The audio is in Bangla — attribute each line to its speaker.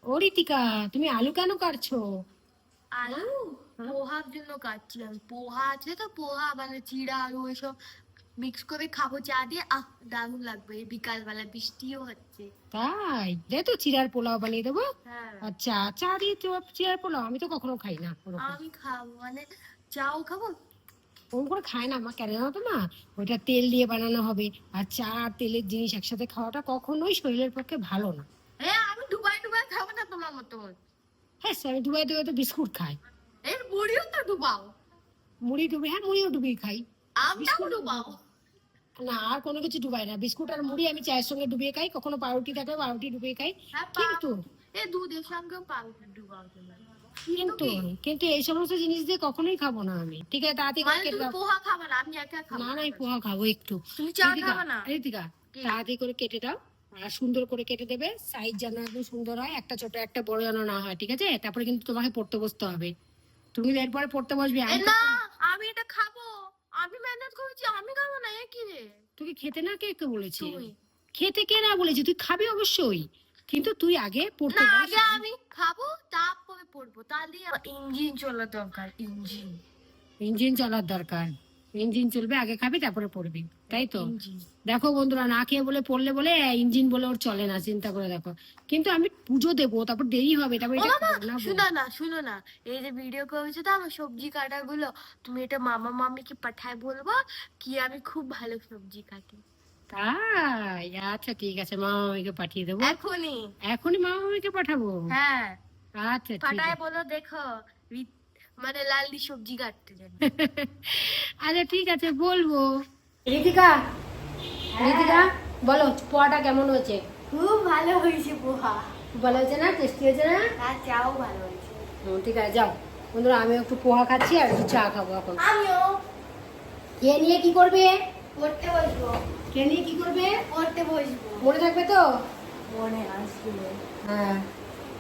Speaker 1: ও রিতিকা, তুমি আলু কেন কাটছো?
Speaker 2: আলু
Speaker 1: হ্যাঁ?
Speaker 2: পোহার জন্য কাটছিলাম। পোহা আছে তো, পোহা মানে চিড়া আলু এসব মিক্স করে খাবো চা দিয়ে। দারুণ লাগবে। এই বিকাল বেলা বৃষ্টিও হচ্ছে।
Speaker 1: তাই দে তো চিড়ার পোলাও বানিয়ে দেবো।
Speaker 2: হ্যাঁ,
Speaker 1: আচ্ছা, চা দিয়ে চিড়ার পোলাও আমি তো কখনো খাই না ওরকম।
Speaker 2: আমি খাবো মানে চাও খাবো।
Speaker 1: ওরকম করে খায় না মা, কেন জানো তো মা? ওইটা তেল দিয়ে বানানো হবে, আর চা আর তেলের জিনিস একসাথে খাওয়াটা কখনোই শরীরের পক্ষে ভালো না।
Speaker 2: হ্যাঁ, আমি ডুবাই ডুবাই খাবো না তোমার মতন।
Speaker 1: হ্যাঁ, আমি ডুবাই ডুবাই তো বিস্কুট খাই।
Speaker 2: এর মুড়িও তো ডুবাও।
Speaker 1: মুড়ি ডুবে, হ্যাঁ মুড়িও ডুবিয়ে খাই।
Speaker 2: আমটাও
Speaker 1: বিস্কুট
Speaker 2: ডুবাও।
Speaker 1: না, আর কোনো কিছু ডুবাই না। বিস্কুট আর মুড়ি আমি চায়ের সঙ্গে ডুবিয়ে খাই, কখনো পাউরুটি থাকলে পাউরুটি ডুবিয়ে খাই।
Speaker 2: হ্যাঁ,
Speaker 1: কিন্তু
Speaker 2: এই দুধের সঙ্গেও পাউরুটি ডুবাও তুমি। কিন্তু
Speaker 1: কিন্তু
Speaker 2: কি
Speaker 1: কিন্তু এই সমস্ত জিনিস দিয়ে কখনোই খাবো না আমি। ঠিক আছে, তাড়াতাড়ি করে
Speaker 2: মানে
Speaker 1: কেটে
Speaker 2: তুমি
Speaker 1: দাও।
Speaker 2: পোহা খাবে না, আমি একা খাবো?
Speaker 1: না না, আমি পোহা খাবো একটু।
Speaker 2: তুমি চা
Speaker 1: ঋতিকা,
Speaker 2: খাবে না?
Speaker 1: ঋতিকা,
Speaker 2: কি?
Speaker 1: তাড়াতাড়ি করে কেটে দাও। আর সুন্দর করে কেটে দেবে, সাইজ যেন একদম সুন্দর হয়, একটা ছোট একটা বড় যেন না হয়, ঠিক আছে? তারপরে কিন্তু তোমাকে পড়তে বসতে হবে। তুমি এরপরে পড়তে বসবে, আমি
Speaker 2: না,
Speaker 1: তখন।
Speaker 2: আমি এটা খাবো। আমি মেহনত করেছি, আমি খাবো না। এ কি রে?
Speaker 1: তোকে খেতে না কে কে বলেছে?
Speaker 2: তুই।
Speaker 1: খেতে কে না বলেছে? তুই খাবি অবশ্যই, কিন্তু তুই আগে পড়তে
Speaker 2: না,
Speaker 1: বস।
Speaker 2: আগে আমি খাবো তারপরে পড়বো। তাহলে ইঞ্জিন চলা দরকার, ইঞ্জিন।
Speaker 1: ইঞ্জিন চলার দরকার। ইঞ্জিন চলবে, আগে খাবি তারপরে পড়বি, তাই তো?
Speaker 2: ইঞ্জিন।
Speaker 1: দেখো বন্ধুরা, না খেয়ে বলে পড়লে বলে ইঞ্জিন বলে ওর চলে না, চিন্তা করে দেখো। কিন্তু আমি পুজো দেবো, তারপর দেরি হবে, তারপর
Speaker 2: ও
Speaker 1: এটা
Speaker 2: মামা,
Speaker 1: খাবো না বল।
Speaker 2: শুনো না শুনো না। এই যে ভিডিও করেছো তো আমার সবজি কাটা গুলো, তুমি এটা মামা মামিকে পাঠায় বলবো কি আমি খুব ভালো সবজি কাটি।
Speaker 1: তাই? আচ্ছা ঠিক আছে, মামা মামিকে পাঠিয়ে দেবো।
Speaker 2: এখনই।
Speaker 1: এখনই মামা মামিকে পাঠাবো?
Speaker 2: হ্যাঁ,
Speaker 1: আচ্ছা ঠিক
Speaker 2: পাঠায়
Speaker 1: আছে।
Speaker 2: বলো দেখো মানে লালদি সবজি কাটতে জানি।
Speaker 1: আচ্ছা ঠিক আছে, বলবো। ঋতিকা, ঋতিকা, বলো পোহাটা কেমন হয়েছে?
Speaker 2: খুব ভালো হয়েছে পোহা।
Speaker 1: ভালো হয়েছে না? টেস্টি হয়েছে না?
Speaker 2: আর চাও ভালো হয়েছে।
Speaker 1: ঠিক আছে, যাও বন্ধুরা, আমি একটু পোহা খাচ্ছি আর একটু চা খাবো এখন।
Speaker 2: আমিও
Speaker 1: কে নিয়ে কি করবে?
Speaker 2: পড়তে বসবো।
Speaker 1: কে নিয়ে কি করবে?
Speaker 2: পড়তে বসবো।
Speaker 1: মনে থাকবে তো?
Speaker 2: মনে আসবে।
Speaker 1: হ্যাঁ।